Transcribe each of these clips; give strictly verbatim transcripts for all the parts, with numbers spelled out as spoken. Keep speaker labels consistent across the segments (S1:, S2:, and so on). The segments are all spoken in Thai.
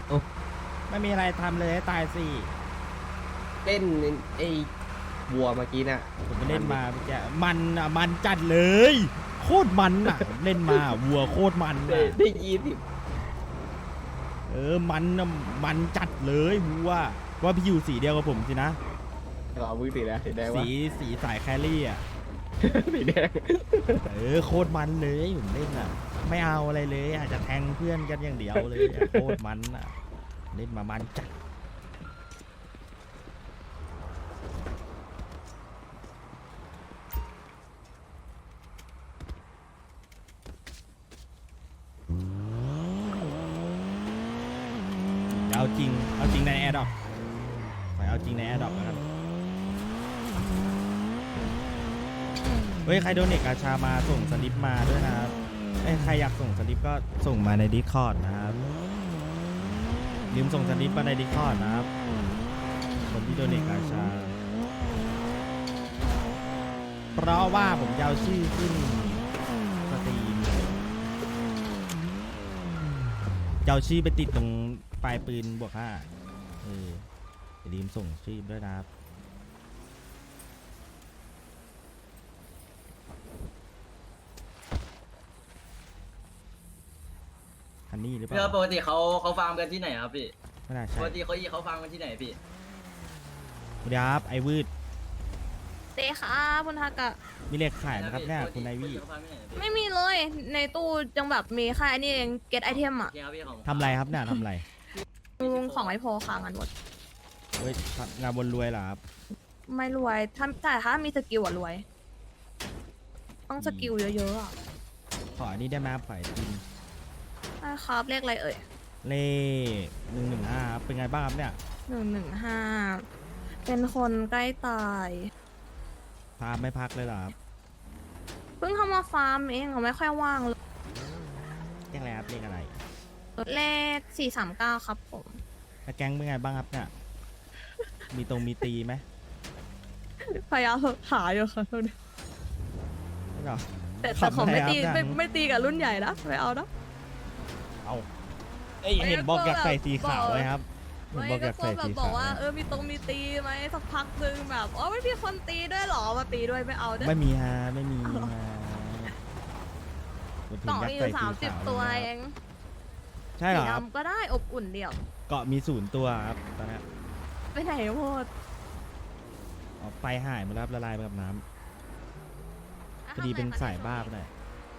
S1: โอ้
S2: ไม่มีอะไรทำเลยให้ตายสิ
S1: เล่นไอ้วัวเมื่อกี้น่ะ
S2: ผมไปเล่นมาเมื่อกี้มันอ่ะมันจัดเลย โคตรมันอ่ะ เล่นมาวัวโคตรมัน
S1: ได้
S2: อ่ะ
S1: ได้ยี่สิบ
S2: เออมันอ่ะมันจัดเลยวัวว่าพี่อยู่สีเดียวกับผมสินะ
S1: เรามือสีแล้วสีแดงวะ
S2: สีสีสายแครี่อ่ะ
S1: สีแดง
S2: เออโคตรมันเลยผมเล่นอ่ะ ไม่เอาอะไรเลยอาจจะแทงเพื่อนกันอย่างเดียวเลยอ่ะโคตรมันอ่ะเล่นมามันจัดเอาจริงเอาจริงในแอร์ดรอปขอเอาจริงในแอร์ดรอปแล้วกันเฮ้ยใครโดนเนกกาชามาส่งสลิปมาด้วยนะครับเอ้ยใครอยากส่งสลิปก็ส่งมาใน Discord นะครับลืมส่งสลิปมาใน Discord นะครับคนที่โดนเนกกาชาเพราะว่าผมจะเอาชื่อขึ้นสตรีมจะเอาชื่อไปติดตรงปลายปืนบวกห้าเอออย่าลืมส่งชื่อด้วยนะครับฮันนี่หรือเป
S3: เพื่อ
S2: ล่า
S3: ปกติเขาเขาฟาร์มกันที่ไหนครับพี่
S2: ไม่น่า
S3: ป
S2: ใช่
S3: กติเขาอีเขาฟาร์มกันที่ไหนพี่
S2: สวัสดีครับไอวืด
S4: เตะครับคุณทากะ
S2: มีเลขขายไหมครับเนี่ยคุณไอวี่
S3: เขาฟาร์มที่ไหนพี่
S4: ไม่มีเลยในตู้จังแบบมีแค่อันนี้เองเก็ตไอเทม
S3: โอ
S4: อะ
S3: เคครับพี่ของ
S2: ทำไรครับเนี่ยทำไร
S4: ลุงของไอโพค้างกันหมด
S2: เฮ้ยงานบนรวยเหรอครับ
S4: ไม่รวยถ้าแต่ถ้ามีสกิลอะรวย ต้องสกิลเยอะๆอะ
S2: ขออันนี้ได้ไหมครับขอไอติม
S4: ใช่ครับเลขอะไรเอ่ย
S2: เลขหนึ่งหนึ่งห้าเป็นไงบ้างครับเนี่ย
S4: หนึ่งหนึ่งห้าเป็นคนใกล้ตาย
S2: พาไม่พักเลยเหรอครับ
S4: เพิ่งเข้ามาฟาร์มเองเขาไม่ค่อยว่างเลย
S2: เลขอะไรครับเลขอะไร
S4: เลขสี่สามเก้าครับผม
S2: แล้วแก๊งเป็นไงบ้างครับเนี่ยมีตรงมีตีไหม
S4: พยายามหาอยู่ค่ะ
S2: ไม่หรอ
S4: แต่แต่ของไม่ตี
S2: ทำไมครับ
S4: ไม่ไม่ตีกับรุ่นใหญ่นะไม่เอานะ
S2: เอาเอ้ยเห็นบอกอยากใส่สีขาวไว้ครับเห็น
S4: ไม่
S2: บอกอ
S4: ก็
S2: ยาก
S4: กลัว
S2: ใส่
S4: แบบ
S2: สี
S4: บอ
S2: ขาก ว
S4: ว่าเออมีตรงมีตีไหมสักพักหนึ่งแบบอ๋อไม่มีคนตีด้วยเหรอมาตีด้วยไม่เอาเด้อ
S2: ไม่มีฮะไม่มีฮะ
S4: กล่องมีอยู่สามสิบตัวเอง
S2: ใช่เหร
S4: สี
S2: อครับ
S4: ดำก็ได้อบอุ่นเดียว
S2: เกาะมีศูนย์ตัวครับตอนนี้
S4: ไปไหนหมด
S2: อ๋อไฟหายหมดแล้วครับละลายไปกับน้ำพอดีเป็นสายบ้าไปหน่อย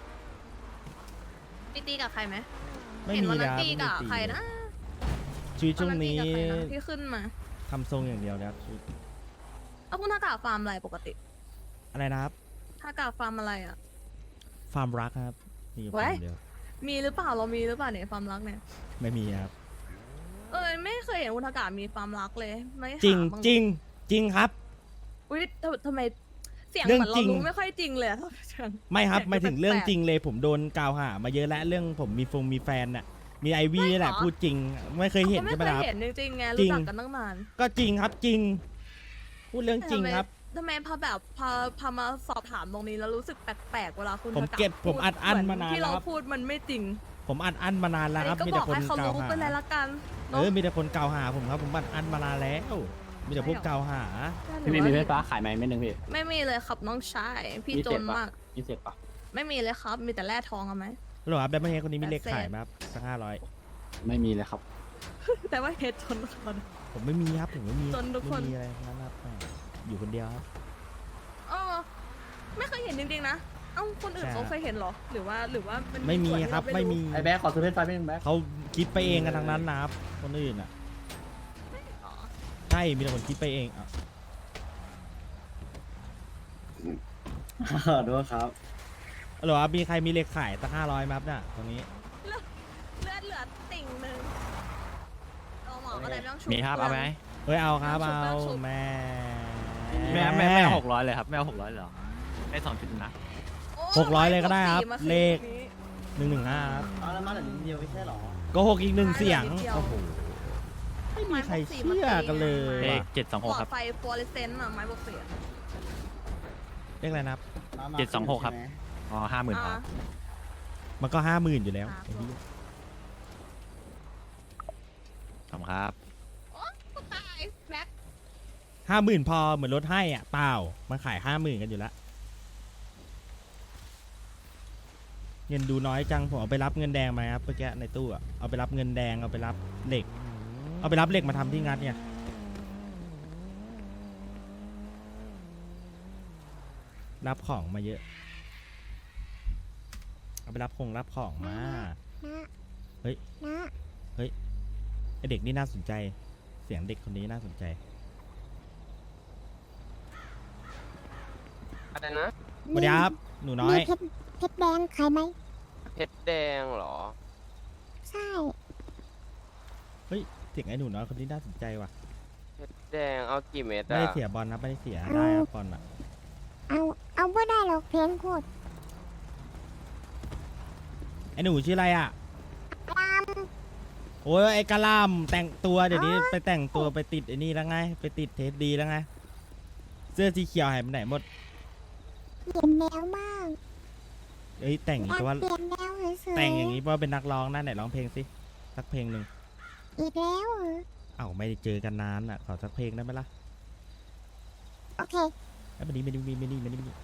S4: มีตีกับใครไหม
S2: ไม่
S4: เห็น
S2: มี
S4: วัน
S2: แล้
S4: นั้
S2: วน
S4: ตีกับใครนะ
S2: ชีวิตช่วงนี้
S4: วัตีกับใครนะที่ขึ้นมา
S2: ทำทรงอย่างเดียวนะครับชีวิต
S4: เอาคุณทากาฟาร์มอะไรปกติ
S2: อะไรนะครับ
S4: ทากาฟาร์มอะไรอ่ะ
S2: ฟาร์มรักครับมีอยู่
S4: ไว้
S2: ฟาร์มเดียว
S4: มีหรือเปล่าเรามีหรือเปล่าเนี่ยฟาร์มรักเนี่ย
S2: ไม่มีครับ
S4: เออไม่เคยเห็นคุณทากามีฟาร์มรักเลยไม่หา
S2: จริง
S4: บ้า
S2: จริงจริงครับ
S4: อุ้ยทำทำไมเสียง
S2: เรื่อง
S4: เหมือนเรา
S2: จริง
S4: รู้ไม่ค่อยจริงเลยอะ
S2: ไม่ครับ
S4: เสียง
S2: หมายถึงเรื่อง
S4: แปลกๆ
S2: จริงเลยผมโดนกล่าวหามาเยอะแล้วเรื่องผมมีฟงมีแฟนน่ะมีไอวี่นี่แหละ
S4: ไม่หรอ
S2: พูดจริง ไม่เคยเห็น
S4: ก็
S2: ใช่ไหม
S4: ไม่เคย
S2: ครับ
S4: เห็นจริงๆไง
S2: จริ
S4: รู้
S2: ง
S4: จักกันตั้งนาน
S2: ก็จริงครับจริง พูดเรื่องจริง
S4: ทำไม
S2: ครับ
S4: ทำไมพอแบบพอพอมาสอบถามตรงนี้แล้วรู้สึกแปลกๆเวลาคุณ
S2: ผม
S4: ทากะ
S2: เก็บ
S4: พูด
S2: ผมอัดอั้น
S4: เห
S2: มานาน
S4: ที่
S2: แล้ว
S4: เรา
S2: ครับ
S4: พูดมันไม่จริง
S2: ผมอัดอั้นมานานแล้วครับ
S4: อัน
S2: มี
S4: นี้
S2: แต่
S4: ก็บอก
S2: คน
S4: ให้เขา
S2: กล่าว
S4: รู้
S2: หา
S4: ไปเลยละกัน
S2: เออมีแต่คนกล่าวหาผมครับผมอัดอั้นมานานแล้วมีแต่พวกกล่าวหา
S5: พี่มีมีไฟฟ้าขายไหมเม็ดหนึ่งพี่
S4: ไม่มีเลยครับน้องชายพี่จนมาก
S5: ยี่สิบปะ
S4: ไม่มีเลยครับ มีแต่แร่ทองเอาไหม
S2: หรอครับได้ไหมเฮดคนนี้มีเลข
S4: แปดเศษ
S2: ขายไหมครับสักห้าร้อย
S5: ไม่มีเลยครับ
S4: แต่ว่าเฮดจนคน
S2: ผมไม่มีครับผมไม่มี
S4: จนทุกคน
S2: ไม่มีอะไรทั้งนั้นครับอยู่คนเดียวครับ
S4: เออไม่เคยเห็นจริงๆนะเอ้าคนอื่น
S2: ใช่
S4: เขาเคยเห็นเหรอ หรือว่าหรือว่ามัน
S2: ไม่มี
S4: ส่วนที่
S2: ครับ
S4: เา
S2: ไม่มี
S5: ไอ้แบ๊กขอซื้อเพชรไฟไม่หนึ่งแบ๊ก
S2: เขาคิดไปเองกันทั้งนั้นนะครับคนอื่นอ่ะ
S4: อ๋อ
S2: ใช่มีแต่คนคิดไปเองอ่ะ
S5: ดูครับ
S2: หรอครับมีใครมีเลขขายสักห้าร้อยไหมครับเนี่ยตรงนี้
S4: เลือดเลือดเหลือติ่งหนึ่งเราหมอก็เลยไม่ต้องชุบ
S6: มีครับเอาไหม
S2: เฮ้ยเอาครับ
S4: ชุบ
S2: เอา
S4: ชุบ
S2: แม่
S6: แม่แม่แม่หกร้อยเลยครับแม่หกร้อยเลยเหรอได้สองจุดนะ
S4: โอ้
S2: หกร้อยเลยก็ได้ครับ
S4: มาคืน
S2: เลข
S4: นี้
S2: หนึ่งหนึ่งห้าครับ
S5: เอาแล้วมาแต่นิดเดียวไม่ใช่หรอ
S2: ก็หกอีกหนึ่งเสียง
S4: นิดเดียว
S2: โอ้โหไม่มีใครเชื่อกันเลย
S6: เลข
S2: ว่ะ
S6: เจ็ดสอง
S4: ห
S6: ห
S4: ล
S6: ก
S4: อ
S6: ครั
S4: ด
S6: บ
S4: ไฟฟลูออเรสเซนต์อะไม้บวกเสียง
S2: เลขอะไรนะครับ
S6: เจ็ดสองหกครับ อ๋อห้าหมื่นครับ
S2: มันก็ห้าหมื่นอยู่แล้ว
S4: อ่า
S2: ไอ้เหี้ย
S6: ขอบคุณครับ
S4: ตายแบ็ค
S2: ห้าหมื่นพอเหมือนลดให้อ่ะเปล่ามันขายห้าหมื่นกันอยู่แล้วเงินดูน้อยจังผมเอาไปรับเงินแดงมาครับเมื่อกี้ในตู้อะเอาไปรับเงินแดงเอาไปรับเหล็ก เอาไปรับเหล็กมาทำที่งัดเนี่ยรับของมาเยอะเอาไปรับคงรับของมา เฮ้ย เฮ้ย ไอเด็กนี่น่าสนใจ เสียงเด็กคนนี้น่าสนใจ
S1: อะไรนะ
S2: สวัสดีครับ หนูน้อย
S7: มีเพชรเพชรแดงขายไหม
S1: เพชรแดงเหรอ
S7: ใช่
S2: เฮ้ย เสียงไอ้หนูน้อยคนนี้น่าสนใจว่ะ
S1: เพชรแดงเอากี่เม็ด
S2: ไม่
S1: อะ
S2: ได้เสียบอลนะไม่ได้เสีย ได้ครับบอลอะ
S7: เอา เอาไม่ได้หรอกเพลงโคตร
S2: ไอ้หนูชื่ออะไรอ่ะ
S7: ตาม
S2: โอ้ยไอ้กะหลำแต่งตัวเดี๋ยวนี้ไปแต่งตัวไปติดไอ้นี่แล้วไง ไปติดเทสดีแล้วไง เสื้อสีเขียวหายไปไหนหมด
S7: เปลี่ยนแนวมาก
S2: เอ้ยแต่งอย่าง
S7: อยาก
S2: นี้ว่า
S7: เปลี่ยนแนวเฉยๆ
S2: แต่งอย่างนี้ว่าเป็นนักร้องนะไหนร้องเพลงสิสักเพลงหนึ่ง
S7: อีกแล้วเหรอ
S2: เอ้าไม่ได้เจอกันนานอ่ะขอสักเพลงได้ไหมล่ะ
S7: โอเค
S2: ไอ้ยไม่ดีไม่ดีไม่ดีไม่ดีไม่ดีไม่ดี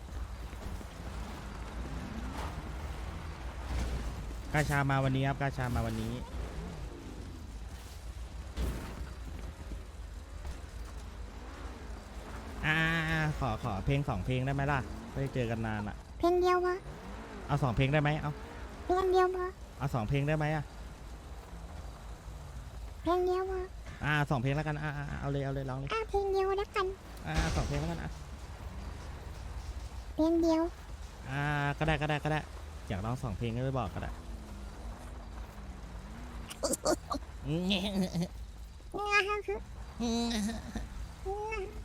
S2: กาชามาวันนี้ครับกาชามาวันนี้อ่าขอขอเพลงสองเพลงได้ไหมล่ะไม่ได้เจอกันนานอ่ะ
S7: เพลงเดียววะ
S2: เอาสองเพลงได้ไหมเอา
S7: เพลงเดียววะ
S2: เอาสองเพลงได้ไหมอ่ะ
S7: เพลงเดียววะ
S2: อ่าสองเพลงแล้วกันอ่าอ่าเอาเลยเอาเลยร้องเลย
S7: อ่ะเพลงเดียวแล้วกัน
S2: อ่าสองเพลงแล้วกันอ่ะ
S7: เพลงเดียว
S2: อ่าก็ได้ก็ได้ก็ได้อยากร้องสองเพลงก็ไปบอกก็ได้
S7: งาคือ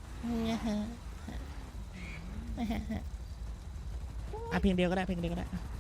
S2: อ่ะเพลงเดียวก็ได้เพลงเดียวก็ได้อ่ะ